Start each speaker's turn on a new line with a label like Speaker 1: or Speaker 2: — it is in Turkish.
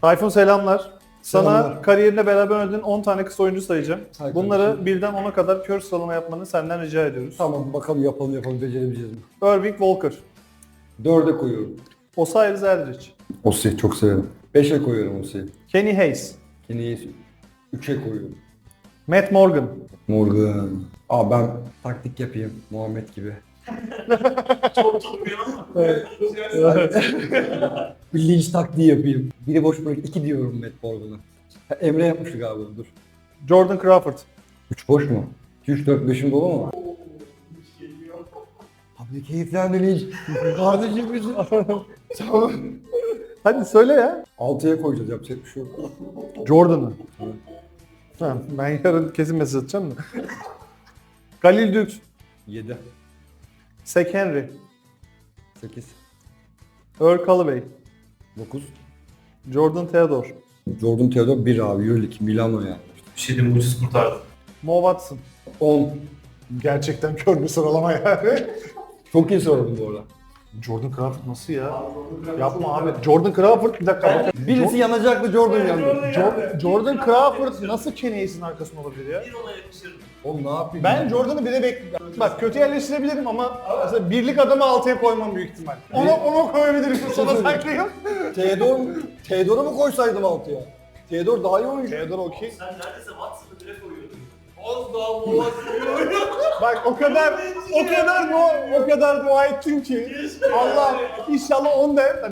Speaker 1: Tayfun selamlar. Sana
Speaker 2: Selamlar.
Speaker 1: kariyerinde beraber oynadığın 10 tane kısa oyuncu sayacağım.
Speaker 2: Say
Speaker 1: Bunları
Speaker 2: kardeşim.
Speaker 1: birden 10'a kadar kör sıralama yapmanı senden rica ediyoruz.
Speaker 2: Tamam bakalım yapalım becerebileceğiz mi?
Speaker 1: Irving Walker,
Speaker 2: 4'e koyuyorum.
Speaker 1: Osiris Eldridge,
Speaker 2: Osi çok severim. 5'e koyuyorum Osi'yi.
Speaker 1: Kenny Hayes,
Speaker 2: Kenny'yi 3'e koyuyorum.
Speaker 1: Matt Morgan,
Speaker 2: Morgan. Ben taktik yapayım Muhammed gibi. Bir linç taktiği yapayım. Biri boş bırak 2 diyorum Matt Morgan'a. Emre yapmıştı galiba dur.
Speaker 1: Jordan Crawford.
Speaker 2: 3 boş mu? 2, 3, 4, 5'im dolu mu? Abi keyiflendi linç. Kardeşim bizim. Tamam.
Speaker 1: Hadi söyle ya.
Speaker 2: 6'ya koyacağız yapacak bir şey yok.
Speaker 1: Jordan'ı.
Speaker 2: Evet.
Speaker 1: Tamam, ben yarın kesin mesaj atacağım da. Khalil Dukes,
Speaker 2: 7.
Speaker 1: Zach Henry,
Speaker 2: 8.
Speaker 1: Earl Callaway,
Speaker 2: 9.
Speaker 1: Jordan Theodore,
Speaker 2: Jordan Theodore 1 abi. Euroleague Milano yani.
Speaker 3: Bir şey diyeyim, ucuz kurtardı.
Speaker 1: Mo Watson.
Speaker 2: 10.
Speaker 1: Gerçekten kör bir sıralama yani.
Speaker 2: Çok iyi sorun bu arada.
Speaker 1: Jordan Crawford nasıl ya? Yapma abi. Jordan Crawford bir dakika bakın.
Speaker 2: Birisi yanacaktı Jordan yandı.
Speaker 1: Jordan Crawford nasıl Kenny Hayes'in arkasında olabilir ya?
Speaker 3: Bir ona yakışır.
Speaker 2: Oğlum ne yapayım?
Speaker 1: Ben Jordan'ı bire bekliyorum. Bak kötü yerleştirebilirim ama mesela birlik adamı 6'ya koymam büyük ihtimal. Onu koyabilirim. Sana saklayayım.
Speaker 2: Theodore'u mu koysaydım 6'ya? Theodore daha iyi oyuncu.
Speaker 1: Theodore okey.
Speaker 3: Sen neredeyse Watson'ı bile koyuyordun. Az daha Watson'ı
Speaker 1: Bak o kadar dua ettim ki Allah inşallah 10 de